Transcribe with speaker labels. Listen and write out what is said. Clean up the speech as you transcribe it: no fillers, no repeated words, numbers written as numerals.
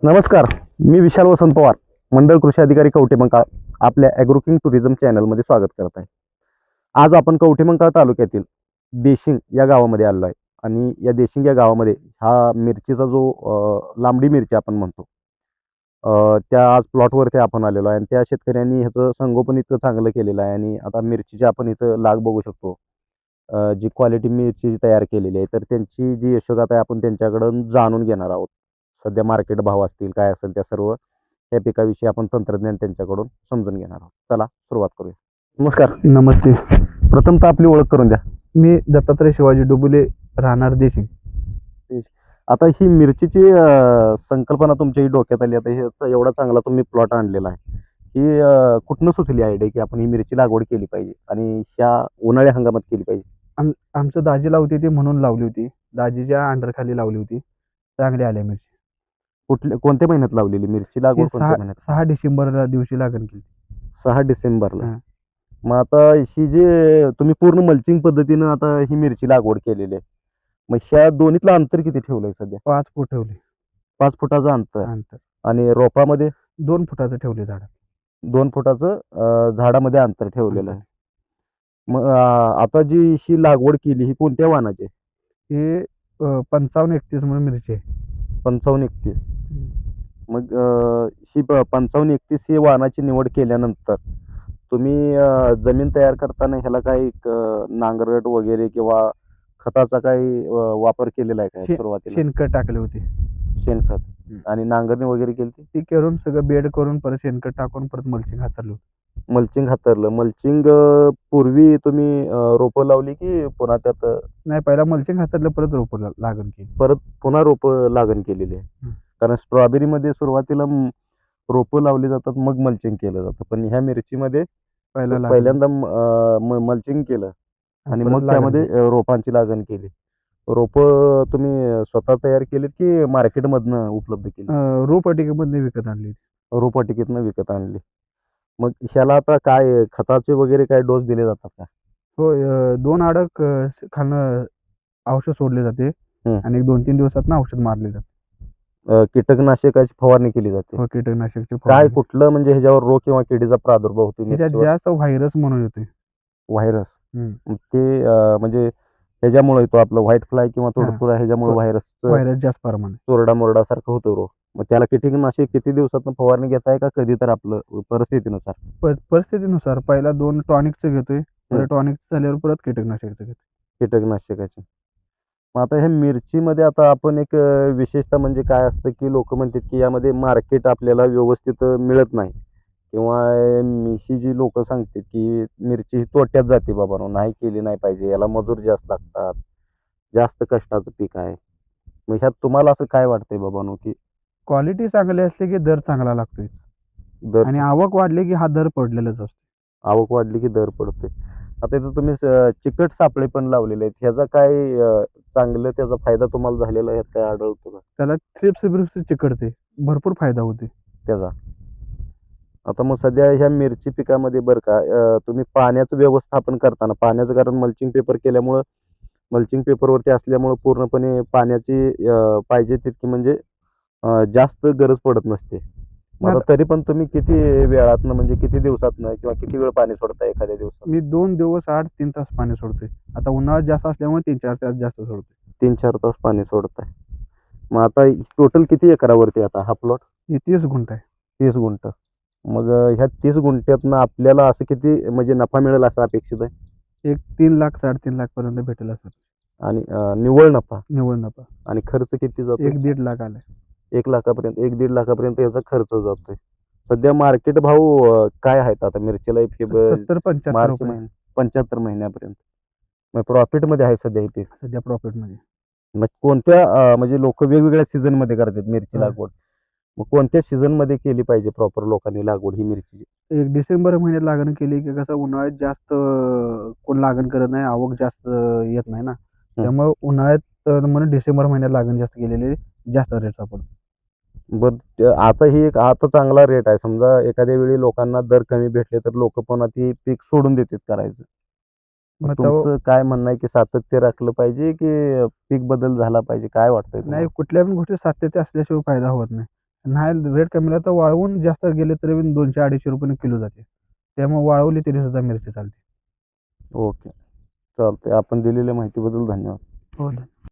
Speaker 1: नमस्कार. मी विशाल वसंत पवार, मंडळ कृषी अधिकारी कवठेमंकाळ आपल्या ॲग्रोकिंग टुरिझम चॅनलमध्ये स्वागत करत आहे. आज आपण कवठेमंकाळ तालुक्यातील देशिंग या गावामध्ये आलो आहे आणि या देशिंग या गावामध्ये हा मिरचीचा जो लांबडी मिरची आपण म्हणतो, त्या आज प्लॉटवरती आपण आलेलो आहे आणि त्या शेतकऱ्यांनी ह्याचं संगोपन इतकं चांगलं केलेलं आहे आणि आता मिरचीची आपण इथं लाग बघू शकतो. जी क्वालिटी मिरची तयार केलेली आहे, तर त्यांची जी यशोगाथा आहे आपण त्यांच्याकडून जाणून घेणार आहोत. सध्या मार्केट भाव असतील, काय असेल त्या सर्व या पिकाविषयी आपण तंत्रज्ञान त्यांच्याकडून समजून घेणार आहोत. चला सुरुवात करूया. नमस्कार.
Speaker 2: नमस्ते.
Speaker 1: प्रथमतः आपली ओळख करून द्या.
Speaker 2: मी दत्तात्रय शिवाजी डुबुले, राहणार देशिंग.
Speaker 1: आता ही मिरचीची संकल्पना तुमच्या ही डोक्यात आली. आता ह्याचा एवढा चांगला तुम्ही प्लॉट आणलेला आहे. ही कुठनं सुचली आयडिया की आपण ही मिरची लागवड केली पाहिजे आणि ह्या उन्हाळ्या हंगामात केली पाहिजे?
Speaker 2: आमचं दाजी लावते ती म्हणून लावली होती. दाजीच्या अंडरखाली लावली होती. चांगली आल्या मिरची.
Speaker 1: कोणत्या महिन्यात लावलेली मिरची लागवड? कोणत्या महिन्यात?
Speaker 2: 6 डिसेंबरला दिवशी लागण केली.
Speaker 1: 6 डिसेंबरला.
Speaker 2: हां.
Speaker 1: मग आता ही जी तुम्ही पूर्ण मल्चिंग पद्धतीनं आता ही मिरची लागवड केलेली आहे. मग ह्या दोन्हीतलं अंतर किती ठेवलंय सध्या?
Speaker 2: 5 फूट ठेवले
Speaker 1: 5 फुटाचं अंतर
Speaker 2: अंतर.
Speaker 1: आणि रोपामध्ये
Speaker 2: 2 फुटाचं ठेवले झाड.
Speaker 1: 2 फुटाचं झाडामध्ये अंतर ठेवलेलं आहे. मग आता जी ही लागवड केली ही कोणत्या वाणाची आहे?
Speaker 2: हे 55-31 म्हणून मिरची आहे.
Speaker 1: 55-31. मग ही 55-31 ही वाणाची निवड केल्यानंतर तुम्ही जमीन तयार करताना ह्याला काही नांगरट वगैरे किंवा खताचा काही वापर केलेला आहे काय सुरुवातीला?
Speaker 2: शेणखत टाकले होते.
Speaker 1: शेणखत आणि नांगरणी वगैरे केली ती?
Speaker 2: ती करून सगळं बेड करून परत शेणखत टाकून परत मल्चिंग हातरलं.
Speaker 1: मल्चिंग हातरलं. मल्चिंग पूर्वी तुम्ही रोपं लावली की पुन्हा त्यात
Speaker 2: नाही, पहिला मल्चिंग हातरलं परत रोपं लागण केली.
Speaker 1: परत पुन्हा रोपं लागण केलेली आहे? कारण स्ट्रॉबेरीमध्ये सुरुवातीला रोपं लावली जातात मग मल्चिंग केलं जातं, पण ह्या मिरचीमध्ये पहिल्यांदा मल्चिंग केलं आणि मग त्यामध्ये रोपांची लागण केली. रोपं तुम्ही स्वतः तयार केलीत की मार्केटमधनं उपलब्ध केली?
Speaker 2: रोपवाटिकेमधनं विकत आणली.
Speaker 1: रोपवाटिकेतनं विकत आणली. मग ह्याला आता काय खताचे वगैरे काय डोस दिले जातात का?
Speaker 2: होय. 2 अडक खालनं औषध सोडले जाते आणि 2-3 दिवसातनं औषध मारले जाते.
Speaker 1: कीटकनाशकाची फवारणी केली जाते?
Speaker 2: हो, कीटकनाशकची
Speaker 1: काय
Speaker 2: फवारणी.
Speaker 1: कुठलं म्हणजे ह्याच्यावर रोग किंवा किडीचा प्रादुर्भाव होतो
Speaker 2: त्याच्यात
Speaker 1: मिरचीवर?
Speaker 2: जास्त व्हायरस म्हणून येतोय.
Speaker 1: व्हायरस. ते म्हणजे ह्याच्यामुळे येतो आपलं व्हाईट फ्लाय किंवा तुडतुडा, ह्याच्यामुळे
Speaker 2: व्हायरस जास्त प्रमाणात.
Speaker 1: चोरडा मोरडासारखं होतो रोग. मग त्याला कीटकनाशक किती दिवसातनं फवारणी घेताय का कधी तर आपलं परिस्थितीनुसार?
Speaker 2: परिस्थितीनुसार पहिला 2 टॉनिकचं घेतोय. परत टॉनिक झाल्यावर परत कीटकनाशकचं घेतोय.
Speaker 1: कीटकनाशकाचे. मग आता ह्या मिरचीमध्ये आता आपण एक विशेषतः म्हणजे काय असतं की लोक म्हणतात की यामध्ये मार्केट आपल्याला व्यवस्थित मिळत नाही किंवा ही जी लोक सांगतात की मिरची ही तोट्यात जाते बाबा, नाही केली नाही पाहिजे, याला मजूर जास्त लागतात, जास्त कष्टाचं पीक आहे. मग ह्यात तुम्हाला असं काय वाटतंय बाबांनो की
Speaker 2: क्वालिटी चांगली असली की दर चांगला लागतोय
Speaker 1: दर
Speaker 2: आणि आवक वाढली की हा दर पडलेलाच असतो.
Speaker 1: आवक वाढली की दर पडतोय? आता इथं तुम्ही चिकट सापळे पण लावलेले आहेत, ह्याचा काय चांगलं त्याचा फायदा तुम्हाला झालेला ह्यात काय आढळतो का
Speaker 2: त्याला थ्रिप्स चिकटते, भरपूर फायदा होते
Speaker 1: त्याचा? आता मग सध्या ह्या मिरची पिकामध्ये बरं का तुम्ही पाण्याचं व्यवस्थापन करताना, पाण्याचं कारण मल्चिंग पेपर केल्यामुळं, मल्चिंग पेपरवरती असल्यामुळं पूर्णपणे पाण्याची पाहिजे तितकी म्हणजे जास्त गरज पडत नसते. मग आता तरी पण तुम्ही किती वेळातनं म्हणजे किती दिवसातनं किंवा किती वेळ पाणी सोडता एखाद्या दिवसात?
Speaker 2: मी 2 दिवस 8-3 तास पाणी सोडतोय. आता उन्हाळा जास्त असल्यामुळे 3-4 तास जास्त सोडतोय.
Speaker 1: 3-4 तास पाणी सोडताय. मग आता टोटल किती एकरावरती आता हा प्लॉट?
Speaker 2: हे 30 गुंठ आहे.
Speaker 1: 30 गुंठ. मग ह्या 30 गुंठ्यातनं आपल्याला असं किती म्हणजे नफा मिळेल असं अपेक्षित आहे?
Speaker 2: एक 3 लाख 3.5 लाख पर्यंत भेटेल असं.
Speaker 1: आणि निव्वळ नफा?
Speaker 2: निव्वळ नफा.
Speaker 1: आणि खर्च किती जातो?
Speaker 2: 1-1.5 लाख आलाय.
Speaker 1: 1 लाखापर्यंत, 1-1.5 लाखापर्यंत याचा खर्च जातोय. सध्या मार्केट भाव काय आहेत आता मिरचीला?
Speaker 2: 70-75
Speaker 1: मार्च
Speaker 2: रुपये
Speaker 1: 75 महिन्यापर्यंत. मग प्रॉफिटमध्ये आहे सध्या हे पीक?
Speaker 2: सध्या प्रॉफिटमध्ये.
Speaker 1: मग कोणत्या म्हणजे लोक वेगवेगळ्या सीझनमध्ये करतात मिरची लागवड, मग कोणत्या सीझनमध्ये केली पाहिजे प्रॉपर लोकांनी लागवड ही मिरचीची?
Speaker 2: एक डिसेंबर महिन्यात लागण केली की कसं उन्हाळ्यात जास्त कोण लागण करत नाही, आवक जास्त येत नाही ना. त्यामुळे उन्हाळ्यात म्हणून डिसेंबर महिन्यात लागण जास्त केलेली जास्त रेट सापडतो.
Speaker 1: बरं आता ही एक आता चांगला रेट आहे. समजा एखाद्या वेळी लोकांना दर कमी भेटले तर लोक पुन्हा ती पीक सोडून देतात करायचं. मग तुमचं काय म्हणणं आहे की सातत्य राखलं पाहिजे की पीक बदल झाला पाहिजे, काय वाटतंय तुम्हाला?
Speaker 2: नाही, कुठल्या पण गोष्टी सातत्य असल्याशिवाय फायदा होत नाही. नाही रेट कमी तर वाळवून जास्त गेले तरी 200-250 रुपये किलो जाते. त्यामुळे वाळवली तरी सुद्धा मिरची चालते.
Speaker 1: ओके, चालते. आपण दिलेल्या माहितीबद्दल धन्यवाद.
Speaker 2: हो.